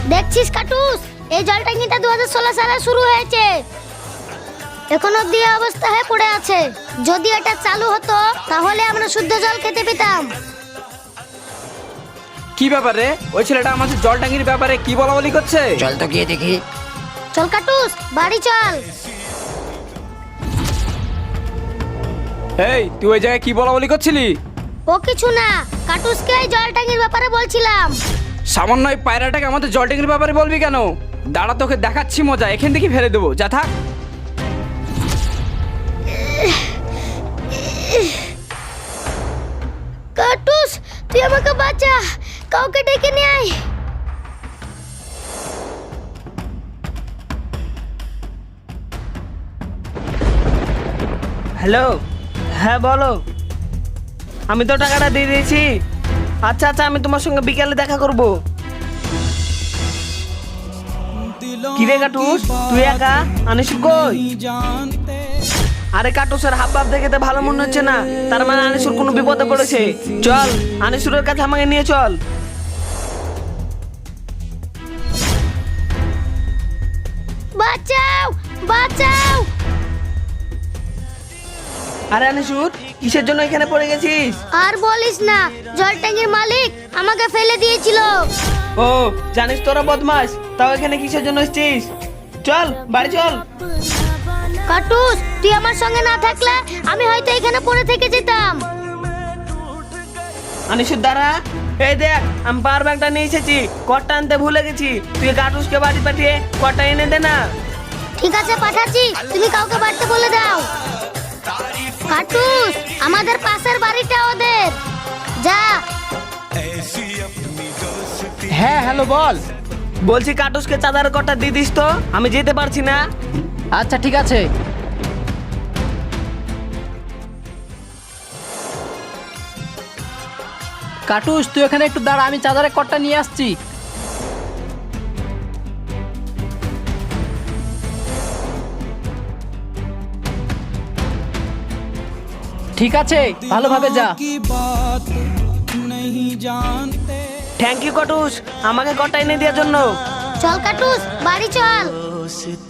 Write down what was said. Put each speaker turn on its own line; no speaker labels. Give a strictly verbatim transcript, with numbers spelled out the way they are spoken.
দেখছিস কাটুস, এই জল ট্যাঙ্কিটা দু হাজার ষোলো সালে শুরু হয়েছে, এখন অব্দি এই অবস্থা হয়ে পড়ে আছে। যদি এটা চালু হতো তাহলে আমরা শুদ্ধ জল খেতে পেতাম।
কি ব্যাপারে? ওই ছেলেটা আমাদের জল ট্যাঙ্কির ব্যাপারে কি বলা বলি করছে?
চল তো গিয়ে দেখি।
চল কাটুস, বাড়ি চল।
এই তুই ওই জায়গায় কি বলা বলি করছিলি?
ও কিছু না, কাটুসকে এই জল ট্যাঙ্কির ব্যাপারে বলছিলাম।
সামান্য এই পায়রাটাকে আমাদের জল ট্যাঙ্কির ব্যাপারে বলবি কেন? দাঁড়া, তোকে দেখাচ্ছি মজা, এখান থেকে ফেলে দেবো, যা থাক।
কাটুস, তুই আমাকে বাঁচা, কাউকে ডেকে নিয়ে আয়।
হ্যালো, হ্যাঁ বলো। আমি তো টাকাটা দিয়ে দিয়েছি। আচ্ছা আচ্ছা, আমি তোমার সঙ্গে বিকালে দেখা করব। কি রে কাটুস, তুই একা? আনিস কই? আরে কাটুসের হাব ভাব দেখে তো ভালো মনে হচ্ছে না, তার মানে আনিসুর কোনো বিপদে পড়েছে। চল আনিসুরের কাছে আমাকে নিয়ে চল।
বাঁচাও, বাঁচাও।
আরে আনিসুর, কিসের জন্য এখানে পড়ে গেছিস?
আর বলিস না, জল ট্যাঙ্কির মালিক আমাকে ফেলে দিয়েছিল।
ও জানিস তোরা বদমাস, তাও এখানে কিসের জন্য এসেছিস? চল বাড়ি চল।
কাটুস, তুই আমার সঙ্গে না থাকলে আমি হয়তো এখানে পড়ে থেকে যেতাম।
আনিসুর দাঁড়া, এই দেখ আমি পাওয়ার ব্যাংকটা নিয়ে এসেছি, কটটা আনতে ভুলে গেছি। তুই কাটুসকে বাড়ি পাঠিয়ে কটটা এনে দে না।
ঠিক আছে, পাঠাচ্ছি, তুমি কাউকে বাড়তে বলে দাও। কাটুস, আমাদের পাশের বাড়িটা ওদের, যা।
হ্যাঁ হ্যালো, বল।
বলছি কাটুসকে চাঁদার কটটা দিয়ে দিস তো, আমি যেতে পারছি না।
আচ্ছা ঠিক আছে। কাটুস, তুই এখানে একটু দাঁড়া, আমি চাদরের কটটা নিয়ে আসছি। ঠিক আছে, ভালোভাবে যা।
থ্যাংক ইউ কাটুস, আমাকে কটটা এনে দেওয়ার জন্য।
চল কাটুস, বাড়ি চল।